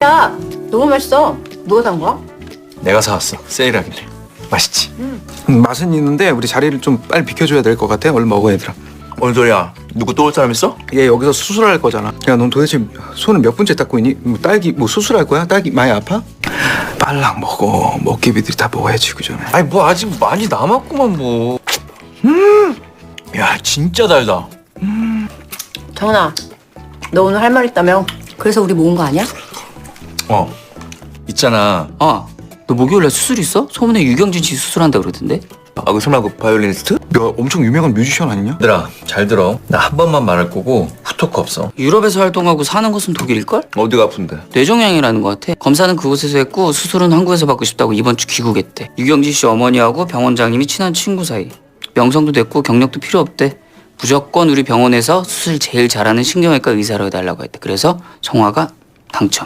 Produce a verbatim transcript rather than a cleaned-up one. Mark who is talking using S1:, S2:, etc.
S1: 야, 너무 맛있어. 누가 산 거야?
S2: 내가 사왔어. 세일하길래. 맛있지?
S3: 음, 맛은 있는데 우리 자리를 좀 빨리 비켜줘야 될 것 같아. 얼른 먹어 얘들아.
S2: 뭔 소리야? 누구 또 올 사람 있어?
S3: 얘 여기서 수술할 거잖아. 야, 넌 도대체 손을 몇 번째 닦고 있니? 뭐 딸기 뭐 수술할 거야? 딸기 많이 아파? 빨랑 먹어. 먹개비들이 다 먹어야지 그 전에.
S2: 아니 뭐 아직 많이 남았구만 뭐. 음. 야 진짜 달다.
S1: 정은아, 너 오늘 할 말 있다며? 그래서 우리 모은 거 아니야?
S2: 어. 있잖아.
S4: 아, 너 목요일날 수술 있어? 소문에 유경진 씨 수술한다 그러던데?
S2: 아 그 설마 그 바이올리니스트?
S3: 야, 엄청 유명한 뮤지션 아니냐?
S2: 얘들아 잘 들어. 나 한 번만 말할 거고 후토크 없어.
S4: 유럽에서 활동하고 사는 곳은 독일일걸?
S2: 어디가 아픈데?
S4: 뇌종양이라는 것 같아. 검사는 그곳에서 했고 수술은 한국에서 받고 싶다고 이번 주 귀국했대. 유경진 씨 어머니하고 병원장님이 친한 친구 사이. 명성도 됐고 경력도 필요 없대. 무조건 우리 병원에서 수술 제일 잘하는 신경외과 의사로 해달라고 했대. 그래서 성화가 당첨.